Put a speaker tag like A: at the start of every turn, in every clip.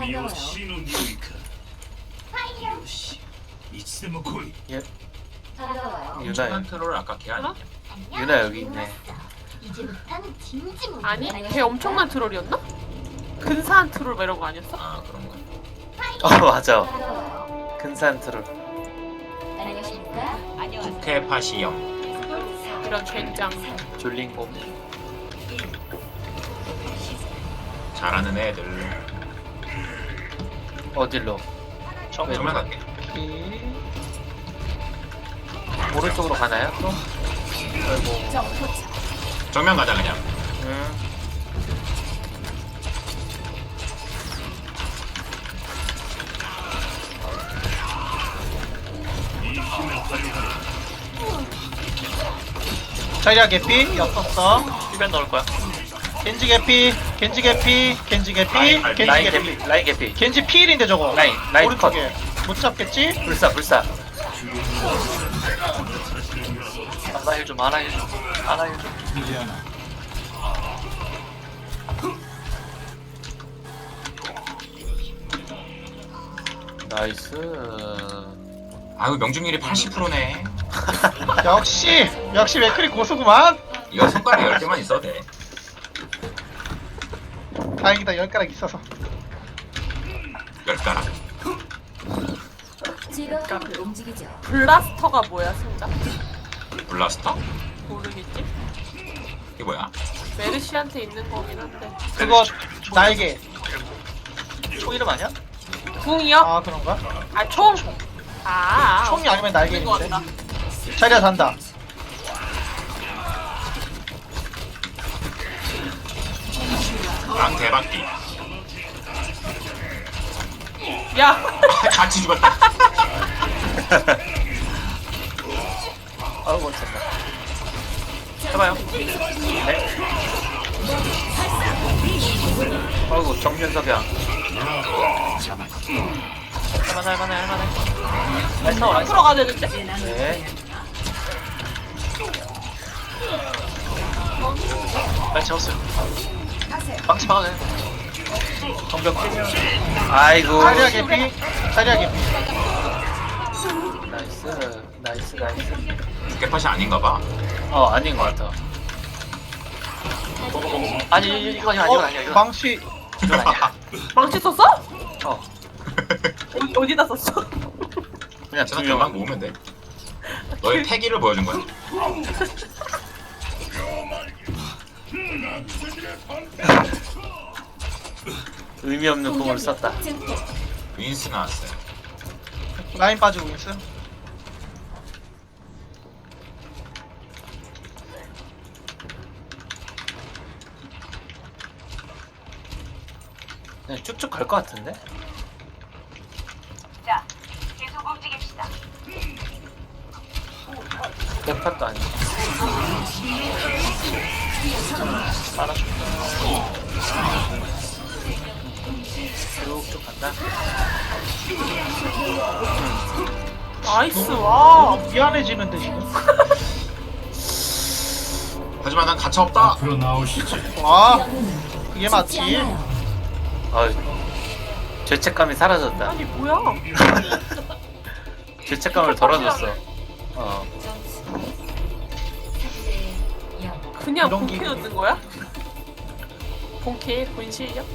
A: 반가워요.
B: 예,
A: 반가워요.
B: 유나
C: 트롤 아까 걔 아니야?
B: 유나 여기 있네.
A: 이제부터는 진지 모드.
D: 아니 걔 엄청난 트롤이었나? 근사한 트롤 막 이런 거 아니었어?
C: 아 그런 거.
B: 맞아.
A: 반가워요.
B: 근사한 트롤.
A: 안녕하십니까?
C: 국회파시형.
D: 이런 젠장.
B: 졸린 곰.
C: 잘하는 애들.
B: 어딜로?
C: 정말 갈게.
B: 오른쪽으로 가나요? 또? 아이고.
C: 정면 가자 그냥.
E: 자리야 개피 였었어.
B: 힐벤 넣을 거야.
E: 겐지 개피, 겐지 개피, 겐지 개피, 겐지
B: 라인
E: 개피.
B: 개피, 라인 개피.
E: 겐지 필인데 저거.
B: 라인
E: 오른쪽에 못 잡겠지?
B: 불사, 불사. 하나 힐 좀, 하나 힐 좀, 하나 힐 좀. 나이스.
C: 아유 명중률이 80%네.
E: 역시 맥크리 고수구만.
C: 이거 손가락 10개만 있어도 돼.
E: 다행이다 10가락 있어서.
C: 10가락.
A: 즐거운 움직이죠.
D: 블라스터가 뭐야 진짜?
C: 블라스터?
D: 모르겠지?
C: 이게 뭐야?
D: 메르시한테 있는 거긴 한데.
E: 그거 날개.
B: 총 이름 아니야?
D: 궁이요?
E: 아 그런가?
D: 아 총. 아.
E: 총이 아니면 날개
D: 있는 거
E: 있는데.
D: 같다.
E: 자리야 잔다.
C: 랑 대박기.
D: 야.
C: 같이 죽었다.
B: 아우, 멋졌다. 해봐요. 네. 아이고, 정면석양. 할만해. 나이스, 나이스.
D: 들어가야 되는데?
B: 네. 빨리 채웠어요. 망치 막아내. 정벽 킬. 아이고.
E: 자리야 개피, 자리야 개피.
B: 나이스.
C: 국회파시 아닌가 봐.
B: 아닌 것 같아. 아니, 이건 아니야. 이건
E: 망치.
B: 아니야.
D: 망치 썼어?
B: 어,
D: 어디다 썼어?
B: 그냥
C: 제가
B: 두
C: 금방
B: 명.
C: 모으면 돼. 너의 패기를 보여준 거야.
B: 의미 없는 공을 썼다.
C: 윈스 나왔어요.
E: 라인 빠지고 있어.
B: 그냥 쭉쭉 갈 것 같은데?
F: 자, 계속 움직입시다.
B: 대판도 아니고. 빨아줍니다. 쭉쭉 간다.
D: 나이스 와.
E: 미안해지는데 지금.
C: 하지만 난 가차 없다.
E: 와, 그게 맞지.
B: 죄책감이 사라졌다.
D: 아니 뭐야?
B: 죄책감을 덜어줬어.
D: 그냥
E: 이런
D: 본캐
E: 기분이.
D: 넣는 거야? 본캐 본실력?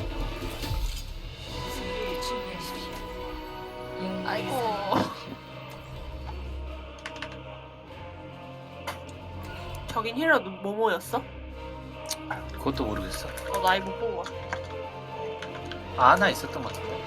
D: 아이고. 저긴 힐러 뭐뭐였어?
B: 그것도 모르겠어.
D: 나이 못 본 거야.
B: 하나 있었던 것 같은데.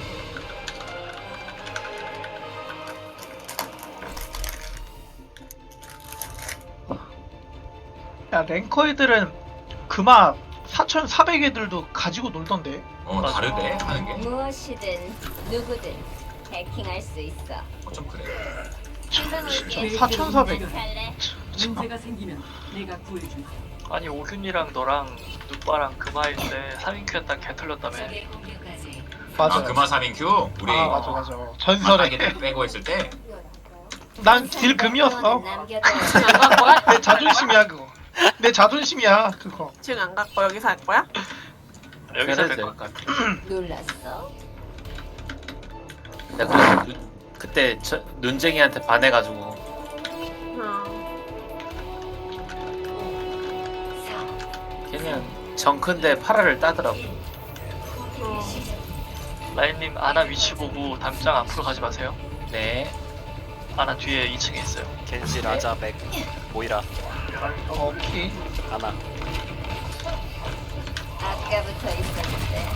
E: 야 랭커 애들은 그마 4,400애들도 가지고 놀던데.
C: 다르대 하는 게.
A: 무엇이든 누구든 해킹할 수 있어.
C: 좀 그래.
E: 진짜 4,400.
A: 살래?
G: 문제가 생기면 내가 구해준다.
B: 아니 오균이랑 너랑 누빠랑 금화일 때 3인큐였다 개 털렸다며.
E: 맞아.
C: 아 금화 3인큐 우리
E: 아 맞아. 전설의.
C: 만나게 빼고 했을 때.
E: 난 딜 금이었어.
A: 남겨둬.
D: 지금 안 갈 거야?
E: 내 자존심이야 그거. 내 자존심이야 그거.
D: 지금 안 갈 거 여기서 할 거야?
B: 여기서
H: 그래도
B: 될
H: 될것
B: 것
H: 같아.
A: 놀랐어?
H: 내가 그때 눈쟁이한테 반해가지고 걔는 정큰데 파라를 따더라고.
B: 라인님 아나 위치 보고 담장 앞으로 가지 마세요.
H: 네.
B: 아나 뒤에 2층에 있어요.
I: 겐지, 라자, 맥, 모이라,
E: 오케이.
I: 아나.
A: 아까부터 있었는데.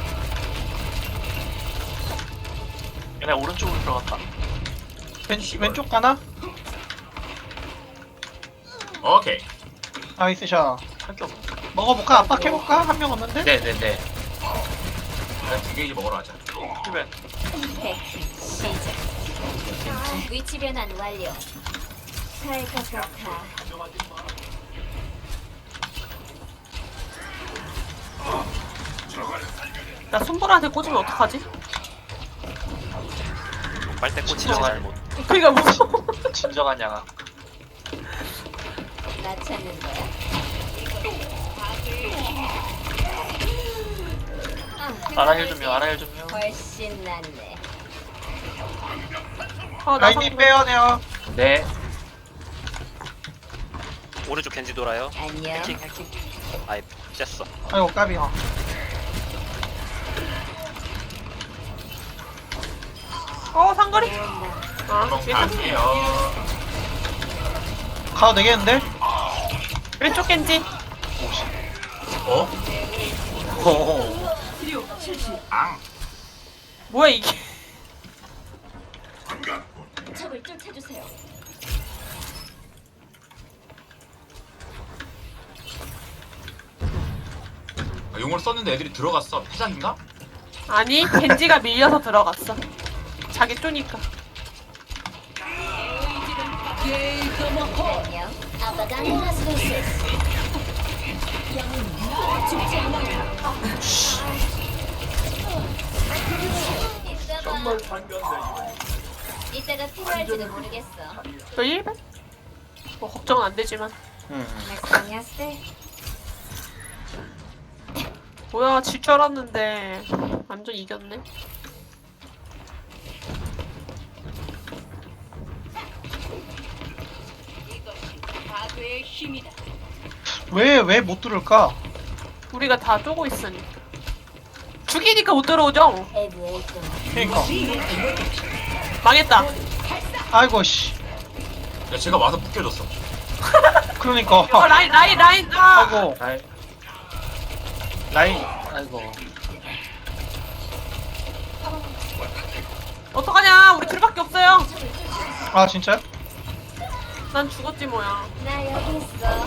B: 얘네 오른쪽으로 들어갔다.
E: 왼쪽 가나?
C: 오케이.
E: 나이스 샷.
B: 할 게 없네.
E: 먹어볼까? 압박해볼까? 한 명 없는데?
H: 네네네.
C: 일단 두 개이지 먹으러 가자.
B: 힐벤.
A: 해킹 시작. 위치 변환 완료. 갈 것 같아.
D: 나 손보라한테 꽂으면 어떡하지?
I: 빨대 꽂히지
B: 진정한-
I: 잘못.
D: 그니까 무서워.
B: 진정한 양아.
A: 나 찾는 거야?
B: 아나 힐 좀요. 아나 힐 좀요.
A: 훨씬 낫네.
D: 나
E: 라인님 빼어내요.
H: 네.
I: 오른쪽 겐지 돌아요.
A: 안녕.
I: 해킹. 아이, 쬐어.
E: 아이고 까비.
D: 상거리.
C: 한번 갈게요.
E: 가도 되겠는데?
D: 왼쪽 겐지.
C: 어?
H: 오.
G: 치료 실시.
C: 앙.
D: 뭐야 이게?
A: 적을 쫓아주세요.
C: 아, 용을 썼는데 애들이 들어갔어. 패작인가?
D: 아니 겐지가 밀려서 들어갔어. 자기 쪼니까.
A: 안녕. 아빠가 안녕하세요. 죽지 않아요. 정말 반갑네. 이따가 필요할지도 모르겠어.
D: 너 1배? 뭐 걱정은 안 되지만.
A: 안녕하세요.
D: 뭐야 질 줄 알았는데 완전 이겼네.
G: 파괴의 힘이다.
E: 왜 못 들을까?
D: 우리가 다 쪼고 있으니. 죽이니까 못 들어오죠?
E: 그니까.
D: 망했다.
E: 아이고 씨.
C: 야, 제가 와서 묶여줬어.
E: 그러니까.
D: 라인.
E: 아이고.
H: 라인. 아이고.
D: 어떡하냐? 우리 둘밖에 없어요.
E: 아 진짜요?
D: 난 죽었지 뭐야.
A: 나 여기 있어.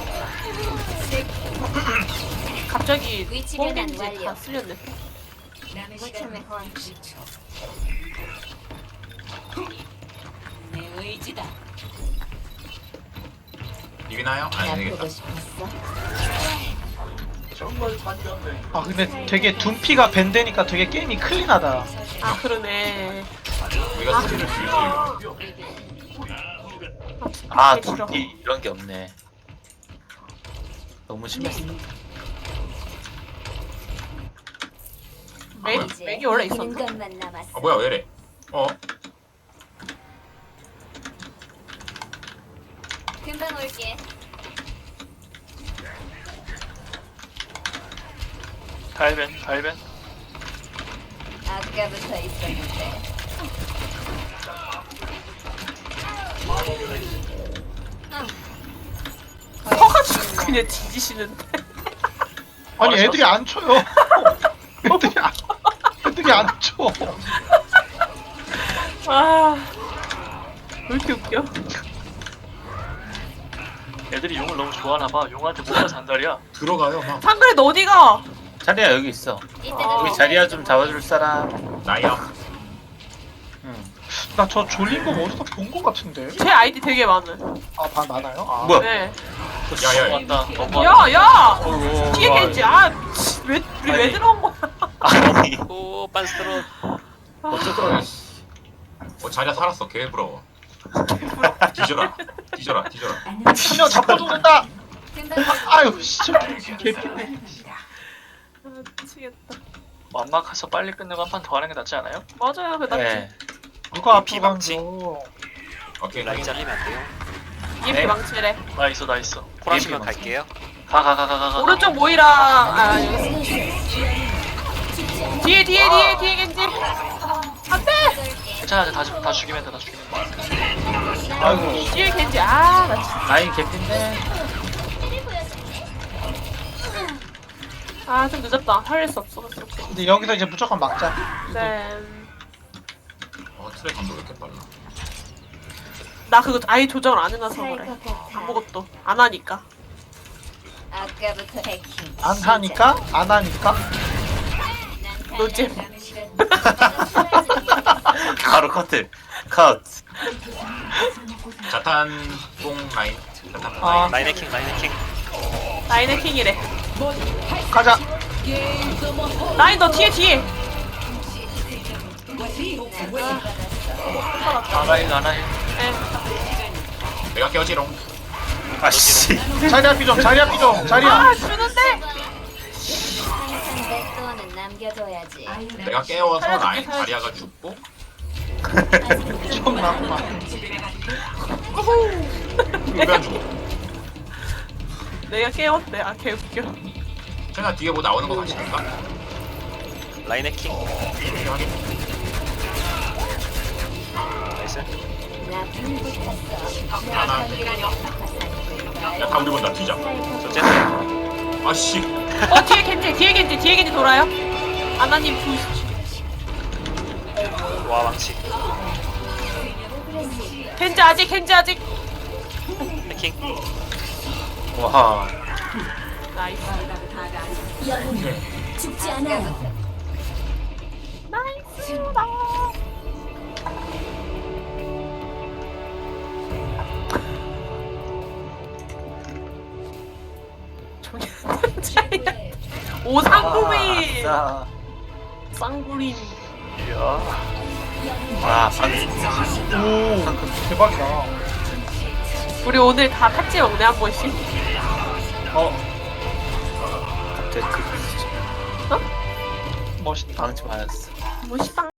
D: 갑자기
A: 위치 변환
D: 뽕겐지
A: 완료.
D: 다 쓸렸네.
G: 남의
A: 고참의
G: 시간
A: 호환.
G: 10초. 내 의지다.
C: 이기나요?
A: 나
C: 아니
A: 보고
C: 되겠다.
A: 싶었어.
E: 아 근데 되게 둔피가 밴드니까 되게 게임이 클린하다.
D: 아 그러네.
C: 우리가 스킬을 줄수 있어.
H: 아,
D: 되게 싫어.
H: 둘이 이런 게 없네. 너무 심했어.
D: 맥이 원래
A: 이기는
D: 있었나?
A: 것만 남았어.
C: 아 뭐야 왜 이래? 어?
A: 금방 올게.
B: 달벤.
A: 아까부터 있었는데.
D: 서가지고 그냥 뒤지시는데.
E: 아니 애들이 안 쳐요. 애들이 안 쳐.
D: 아, 왜 이렇게 웃겨?
B: 애들이 용을 너무 좋아하나봐. 용한테 뭐가 잔다리야.
C: 들어가요 막.
D: 상그레 너 어디가?
H: 자리야 여기 있어.
A: 이따가
H: 여기 자리야 좀 잡아줄 사람.
C: 나야.
E: 나 저 졸린 거 어디서 본 거 같은데.
D: 제 아이디 되게 많아.
E: 아 많아요? 아.
H: 뭐야?
D: 네.
C: 야야.
B: 왔다.
D: 야!
H: 어이구.
D: 뒤에 겐지. 아, 미치, 우리 왜
H: 아니.
D: 들어온 거야?
H: 아니.
I: 오, 빤스트로.
C: 어쩌더라. 자리야 살았어. 개 부러워. 뒤져라.
E: 한 명 잡고 죽는다.
A: 금방
E: 아유 씨. 개피네.
D: 아, 미치겠다.
B: 완막해서 빨리 끝내고 한 판 더 하는 게 낫지 않아요?
D: 맞아요, 그 낫지.
H: 네.
E: 누가 앞으로
I: 비방지.
E: 가면
C: 오케이.
I: 라인 잘리면 안 돼요.
D: EMP
H: 네.
D: 망치래.
B: 나 있어 나 있어.
I: 콜하시면
H: 비방지.
I: 갈게요.
B: 가.
D: 오른쪽 모이라. 아, 여기. 뒤에 겐지. 안 돼!
B: 괜찮아 다 죽이면 돼.
E: 아이고.
D: 뒤에 겐지. 아, 나 진짜.
H: 라인 개핀데.
D: 아, 좀 늦었다. 살릴 수 없어.
E: 근데 여기서 이제 무조건 막자.
D: 네.
C: 트레 감도 왜 이렇게 빨라?
D: 나 그거 아예 조정을 안 해놔서 그래.
A: 살것 같아.
D: 아무것도 안 하니까.
A: 아까부터 해킹.
E: 안 하니까? 안 하니까?
D: 노잼.
H: 바로 커트. 컷.
C: 자탄 뽕 라인. 자탄 뽕
E: 아,
C: 라인.
I: 라인 해킹 라인 해킹.
D: 라인의 킹이래.
E: 가자.
D: 라인 너 뒤에.
B: 아나힐
D: 예.
C: 내가 깨어지롱.
H: 아씨.
E: 자리야 삐좀, 자리야 삐좀, 자리야.
D: 아, 주는데.
A: 항상 내 또는 남겨둬야지.
C: 내가 깨워서
D: 살려줄게,
C: 라인
D: 살려줄게.
C: 자리아가 죽고.
E: 좀 나구만.
C: 왜안 죽어?
D: 내가 깨웠대. 아, 개웃겨.
C: 제가 뒤에 뭐 나오는 거 같으니까.
I: 라인 해킹.
C: 확인.
I: 나이스.
A: 나 불붙었어.
C: 하나. 야, 다 우리 본다. 튀자.
I: 저 쨌어요.
C: 아씨.
D: 뒤에 겐지 돌아요. 아나님 부시지.
I: 와 왕치.
D: 겐지 아직.
I: 해킹.
H: 와.
D: 나이스.
A: 죽지 않아.
D: 나이스다. 오상구미.
H: 아싸.
D: 쌍구림.
H: 와 방금.
E: 오, 대박이다.
D: 우리 오늘 다 팥찌 먹네 한 번씩.
H: 갑자기 그
E: 멋있다.
H: 방치 맞았어.
D: 멋있다.